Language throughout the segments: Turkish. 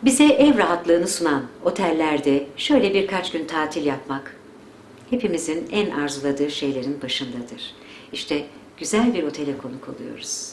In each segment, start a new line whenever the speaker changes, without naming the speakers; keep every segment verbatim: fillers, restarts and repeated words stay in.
Bize ev rahatlığını sunan otellerde şöyle birkaç gün tatil yapmak hepimizin en arzuladığı şeylerin başındadır. İşte güzel bir otele konuk oluyoruz.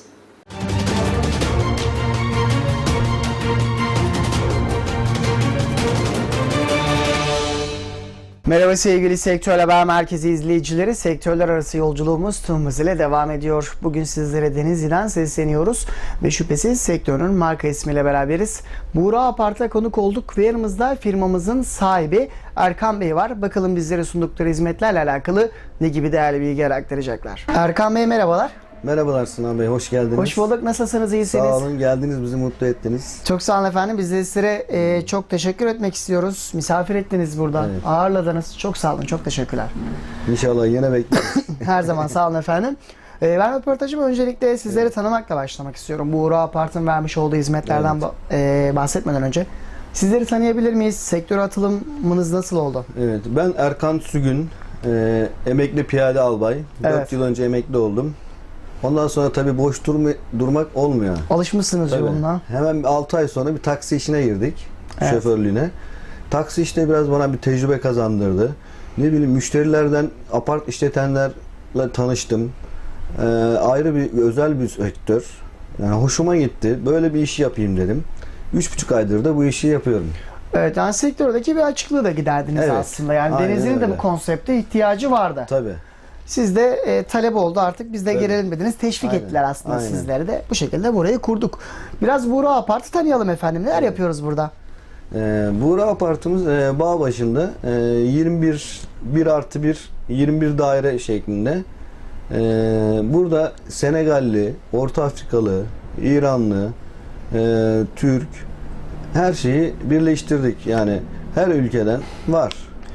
Merhaba sevgili Sektör Haber Merkezi izleyicileri. Sektörler arası yolculuğumuz tüm hızıyla devam ediyor. Bugün sizlere Denizli'den sesleniyoruz ve şüphesiz sektörün marka ismiyle beraberiz. Buğra Apart'a konuk olduk ve yanımızda firmamızın sahibi Erkan Bey var. Bakalım bizlere sundukları hizmetlerle alakalı ne gibi değerli bilgiler aktaracaklar. Erkan Bey merhabalar.
Merhabalar Sinan Bey, hoş geldiniz.
Hoş bulduk. Nasılsınız? İyisiniz?
Sağ olun, geldiniz, bizi mutlu ettiniz.
Çok sağ olun efendim. Biz de sizlere e, çok teşekkür etmek istiyoruz. Misafir ettiniz burada.
Evet.
Ağırladınız. Çok sağ olun. Çok teşekkürler.
İnşallah yine bekleriz.
Her zaman sağ olun efendim. E, ben röportajımı öncelikle sizleri evet. tanımakla başlamak istiyorum. Buğra Apart'ın vermiş olduğu hizmetlerden evet. e, bahsetmeden önce. Sizleri tanıyabilir miyiz? Sektöre atılımınız nasıl oldu?
Evet, ben Erkan Sügün, e, emekli piyade albay.
Evet.
dört yıl önce emekli oldum. Ondan sonra tabii boş durma, durmak olmuyor.
Alışmışsınız
Tabii.
yoluna.
Hemen altı ay sonra bir taksi işine girdik.
Evet.
Şoförlüğüne. Taksi işte biraz bana bir tecrübe kazandırdı. Ne bileyim, müşterilerden, apart işletenlerle tanıştım. Ee, ayrı bir, özel bir sektör. Yani hoşuma gitti. Böyle bir iş yapayım dedim. Üç buçuk aydır da bu işi yapıyorum.
Evet, yani sektördeki bir açıklığı da giderdiniz evet. aslında. Yani
Aynen
Denizli'nin de
öyle.
bu konsepte ihtiyacı vardı.
Tabii.
Siz de e, talep oldu artık biz de
Evet.
gelelim dediniz. Teşvik
Aynen.
ettiler aslında
Aynen.
sizleri de. Bu şekilde burayı kurduk. Biraz Buğra Apart'ı tanıyalım efendim. Neler
Evet.
yapıyoruz burada?
Ee, Buğra Apart'ımız e, Bağbaşı'nda e, yirmi bir, bir artı bir, yirmi bir daire şeklinde. E, burada Senegalli, Orta Afrikalı, İranlı, e, Türk, her şeyi birleştirdik. Yani her ülkeden var.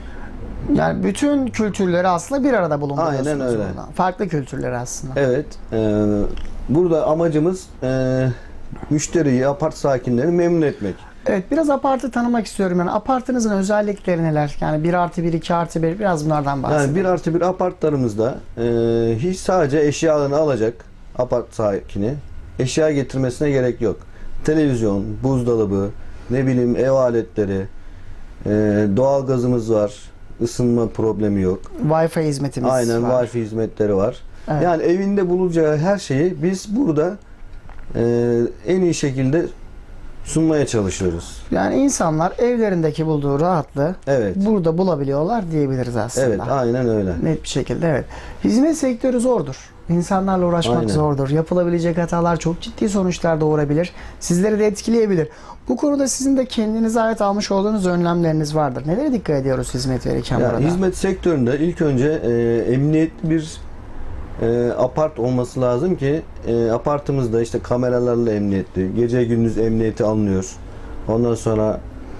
Yani bütün kültürleri aslında bir arada bulunduruyorsunuz.
Aynen öyle.
Burada. Farklı kültürleri aslında.
Evet. E, burada amacımız e, müşteriyi, apart sakinlerini memnun etmek.
Evet, biraz apartı tanımak istiyorum. Yani apartınızın özellikleri neler? Yani bir artı bir, iki artı bir, biraz bunlardan bahsedin.
Yani bir artı bir apartlarımızda e, hiç sadece eşyalarını alacak apart sakini. Eşya getirmesine gerek yok. Televizyon, buzdolabı, ne bileyim ev aletleri, e, doğalgazımız var. Isınma problemi yok.
Wi-Fi hizmetimiz
Aynen,
var.
Wi-Fi hizmetleri var.
Evet.
Yani evinde bulacağı her şeyi biz burada e, en iyi şekilde sunmaya çalışıyoruz.
Yani insanlar evlerindeki bulduğu rahatlığı
Evet.
burada bulabiliyorlar diyebiliriz aslında.
Evet, aynen öyle.
Net bir şekilde evet. Hizmet sektörü zordur. İnsanlarla uğraşmak
Aynen.
zordur. Yapılabilecek hatalar çok ciddi sonuçlar doğurabilir. Sizleri de etkileyebilir. Bu konuda sizin de kendinize ait almış olduğunuz önlemleriniz vardır. Nelere dikkat ediyoruz hizmet verirken
Ya,
burada?
hizmet sektöründe ilk önce e, emniyetli bir e, apart olması lazım ki e, apartımızda işte kameralarla emniyetli, gece gündüz emniyeti alınıyor. Ondan sonra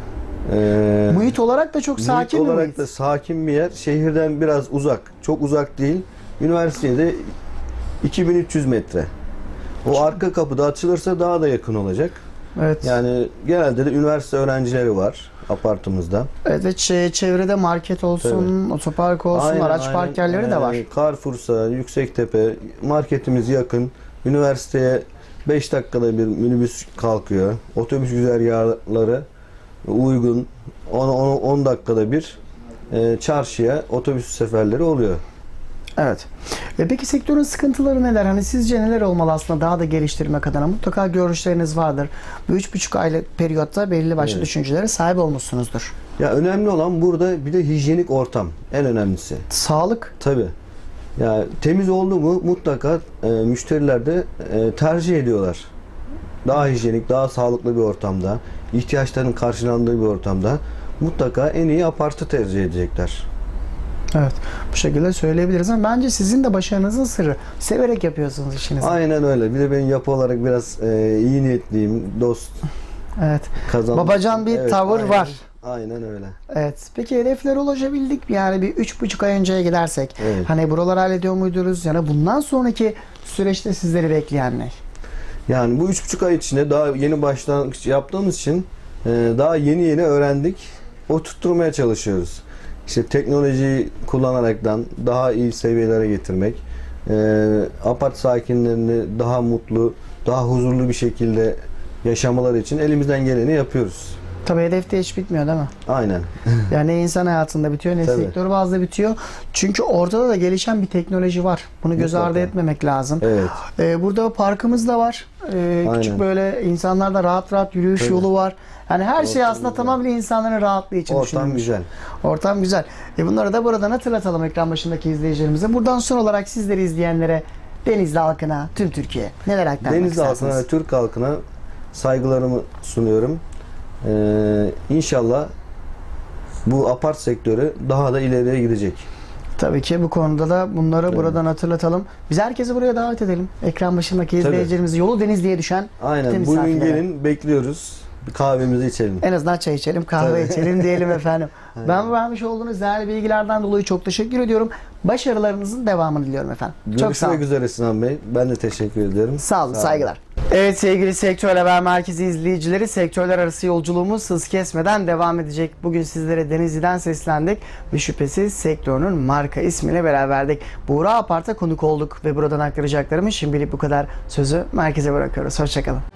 e,
Muhit olarak da çok sakin
muhit
bir
olarak
muhit.
da sakin bir yer. Şehirden biraz uzak. Çok uzak değil. Üniversitede iki bin üç yüz metre. O arka kapıda açılırsa daha da yakın olacak.
Evet.
Yani genelde de üniversite öğrencileri var apartımızda.
Evet ve çe- çevrede market olsun, otopark olsun,
Aynen,
araç
aynen.
park yerleri de var.
Ee, Carrefour'sa, Yüksektepe, marketimiz yakın. Üniversiteye beş dakikada bir minibüs kalkıyor. Otobüs güzergahları uygun. on dakikada bir e, çarşıya otobüs seferleri oluyor.
Evet. E peki sektörün sıkıntıları neler? Hani sizce neler olmalı aslında daha da geliştirmek adına? Mutlaka görüşleriniz vardır. Bu üç buçuk aylık periyotta belli başlı
Evet.
düşüncelere sahip olmuşsunuzdur.
Ya önemli olan burada bir de hijyenik ortam. En önemlisi.
Sağlık.
Tabii. Ya temiz oldu mu mutlaka e, müşteriler de e, tercih ediyorlar. Daha hijyenik, daha sağlıklı bir ortamda, ihtiyaçlarının karşılandığı bir ortamda mutlaka en iyi apartı tercih edecekler.
Evet. Bu şekilde söyleyebiliriz ama bence sizin de başarınızın sırrı. Severek yapıyorsunuz işinizi.
Aynen öyle. Bir de ben yapı olarak biraz e, iyi niyetliyim, dost
Evet.
kazan.
Babacan bir
Evet,
tavır
aynen.
var.
Aynen öyle.
Evet. Peki hedeflere ulaşabildik mi? Yani bir üç buçuk ay önceye gidersek.
Evet.
Hani buraları hallediyor muydunuz? Yani bundan sonraki süreçte sizleri bekleyen ne?
Yani bu üç buçuk ay içinde daha yeni başlangıç yaptığımız için e, daha yeni yeni öğrendik. O tutturmaya çalışıyoruz. İşte teknolojiyi kullanaraktan daha iyi seviyelere getirmek, e, apart sakinlerini daha mutlu, daha huzurlu bir şekilde yaşamaları için elimizden geleni yapıyoruz.
Tabii hedefte hiç bitmiyor değil mi?
Aynen.
Yani ne insan hayatında bitiyor ne
Tabii.
sektör bazda bitiyor. Çünkü ortada da gelişen bir teknoloji var. Bunu göz ardı
Mutlaka.
etmemek lazım.
Evet.
Ee, burada parkımız da var. Ee, küçük
Aynen.
böyle insanlarda rahat rahat yürüyüş
Tabii.
yolu var. Yani her şey
Ortam
aslında
güzel.
tamamen insanların rahatlığı için
Ortam
düşünülmüş.
güzel.
Ortam güzel. E bunları da buradan hatırlatalım ekran başındaki izleyicilerimize. Buradan son olarak sizleri izleyenlere, Denizli halkına, tüm Türkiye neler aktarmak
Denizli
istersiniz?
halkına ve Türk halkına saygılarımı sunuyorum. Ee, İnşallah bu apart sektörü daha da ileriye gidecek.
Tabii ki bu konuda da bunları
Evet.
buradan hatırlatalım. Biz herkesi buraya davet edelim. Ekran başındaki izleyicilerimizi yolu Denizli'ye düşen
Aynen.
tüm
Bugün
misafirlere.
gelin, bekliyoruz. Bir kahvemizi içelim.
En azından çay içelim, kahve
Tabii.
içelim diyelim efendim. Ben vermiş olduğunuz değerli bilgilerden dolayı çok teşekkür ediyorum. Başarılarınızın devamını diliyorum efendim. Çok sağ olun.
Görüşmek üzere Sinan Bey. Ben de teşekkür ediyorum.
Sağ olun, saygılar. Evet sevgili Sektör Haber Merkezi izleyicileri, sektörler arası yolculuğumuz hız kesmeden devam edecek. Bugün sizlere Denizli'den seslendik ve şüphesiz sektörünün marka ismiyle beraberdik. Buğra Apart'a konuk olduk ve buradan aktaracaklarımız şimdilik bu kadar. Sözü merkeze bırakıyoruz. Hoşçakalın.